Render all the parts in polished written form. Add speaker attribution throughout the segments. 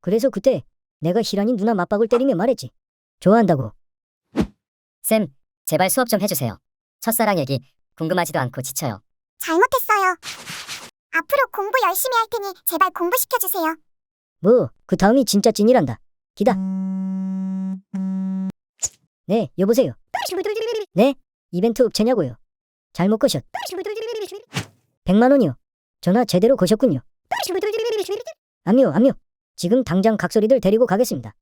Speaker 1: 그래서 그때 내가 희란이 누나 맞박을 때리며 말했지. 좋아한다고.
Speaker 2: 쌤, 제발 수업 좀 해주세요. 첫사랑 얘기 궁금하지도 않고 지쳐요.
Speaker 3: 잘못했어요. 앞으로 공부 열심히 할 테니 제발 공부시켜주세요.
Speaker 1: 뭐, 그 다음이 진짜 찐이란다. 기다. 네, 여보세요. 네, 이벤트 업체냐고요. 잘못 거셨. 100만 원이요. 전화 제대로 거셨군요. 암요. 지금 당장 각소리들 데리고 가겠습니다.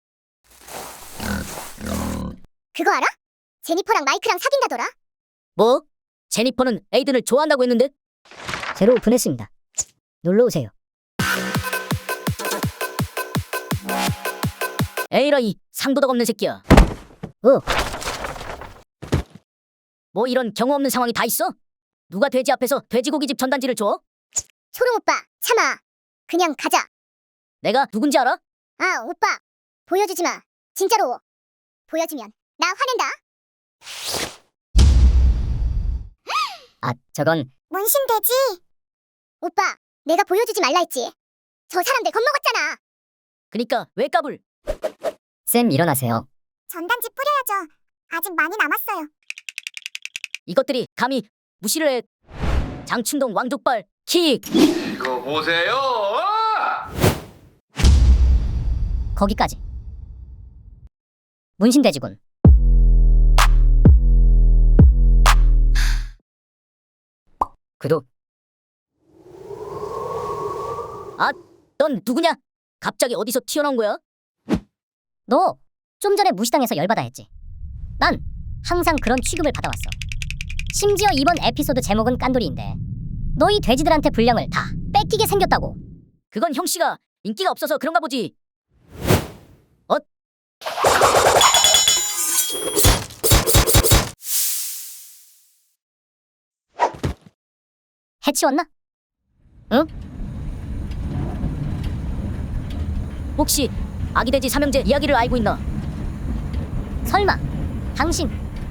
Speaker 3: 그거 알아? 제니퍼랑 마이크랑 사귄다더라.
Speaker 2: 뭐? 제니퍼는 에이든을 좋아한다고 했는데?
Speaker 1: 새로 오픈했습니다. 놀러오세요.
Speaker 2: 에이라 이 상도덕 없는 새끼야.
Speaker 1: 어.
Speaker 2: 뭐 이런 경우 없는 상황이 다 있어? 누가 돼지 앞에서 돼지고기집 전단지를 줘?
Speaker 3: 초롱 오빠, 참아. 그냥 가자.
Speaker 2: 내가 누군지 알아?
Speaker 3: 아, 오빠. 보여주지 마. 진짜로. 보여주면 나 화낸다.
Speaker 2: 아, 저건
Speaker 3: 문신되지? 오빠, 내가 보여주지 말라 했지. 저 사람들 겁먹었잖아.
Speaker 2: 그니까 왜 까불? 쌤 일어나세요.
Speaker 3: 전단지 뿌려야죠. 아직 많이 남았어요.
Speaker 2: 이것들이 감히 무시를 해. 장춘동 왕족발 킥.
Speaker 4: 이거 보세요.
Speaker 2: 거기까지. 문신돼지군. 구독. 아, 넌 누구냐? 갑자기 어디서 튀어나온 거야? 너 좀 전에 무시당해서 열받아 했지. 난 항상 그런 취급을 받아왔어. 심지어 이번 에피소드 제목은 깐돌이인데 너희 돼지들한테 분량을 다 뺏기게 생겼다고. 그건 형씨가 인기가 없어서 그런가 보지. 해치웠나? 응? 혹시 아기돼지 삼형제 이야기를 알고 있나? 설마 당신?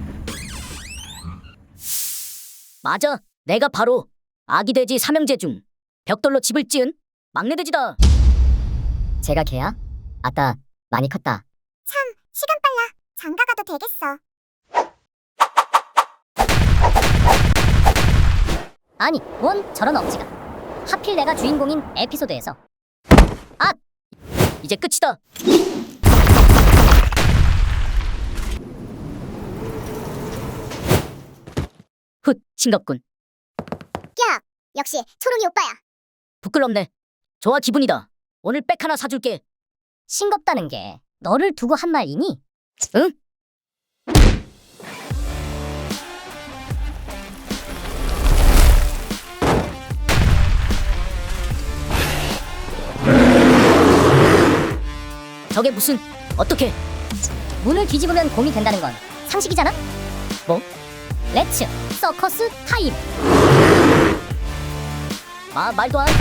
Speaker 2: 맞아, 내가 바로 아기돼지 삼형제 중 벽돌로 집을 지은 막내돼지다. 제가 걔야? 아따, 많이 컸다.
Speaker 3: 참, 시간 빨라. 장가 가도 되겠어.
Speaker 2: 아니, 뭔 저런 억지가. 하필 내가 주인공인 에피소드에서. 아! 이제 끝이다. 훗, 싱겁군.
Speaker 3: 야, 역시 초롱이 오빠야.
Speaker 2: 부끄럽네. 좋아, 기분이다. 오늘 백 하나 사줄게. 싱겁다는 게 너를 두고 한 말이니? 응? 저게 무슨, 어떻게? 문을 뒤집으면 곰이 된다는 건 상식이잖아? 뭐? 렛츠 서커스 타임. 말도 안.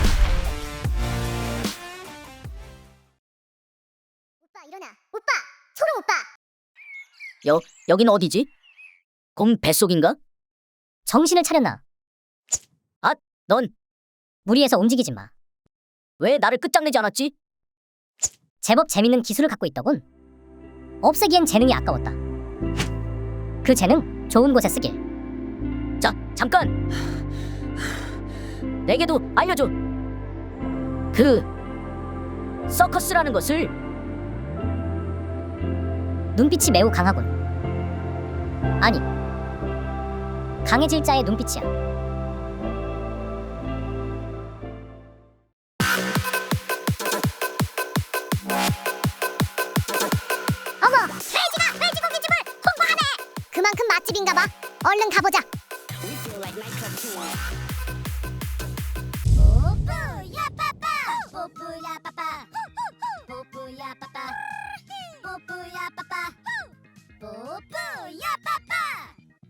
Speaker 3: 오빠 일어나. 오빠, 초롱 오빠.
Speaker 2: 여긴 어디지? 곰 뱃속인가? 정신을 차렸나? 아, 넌 무리해서 움직이지 마. 왜 나를 끝장내지 않았지? 제법 재밌는 기술을 갖고 있더군. 없애기엔 재능이 아까웠다. 그 재능 좋은 곳에 쓰길. 자, 잠깐. 내게도 알려줘. 그 서커스라는 것을. 눈빛이 매우 강하군. 아니, 강해질 자의 눈빛이야.
Speaker 3: 어머, 돼지가 돼지고기집을 홍보하네. 그만큼 맛집인가 봐. 얼른 가보자.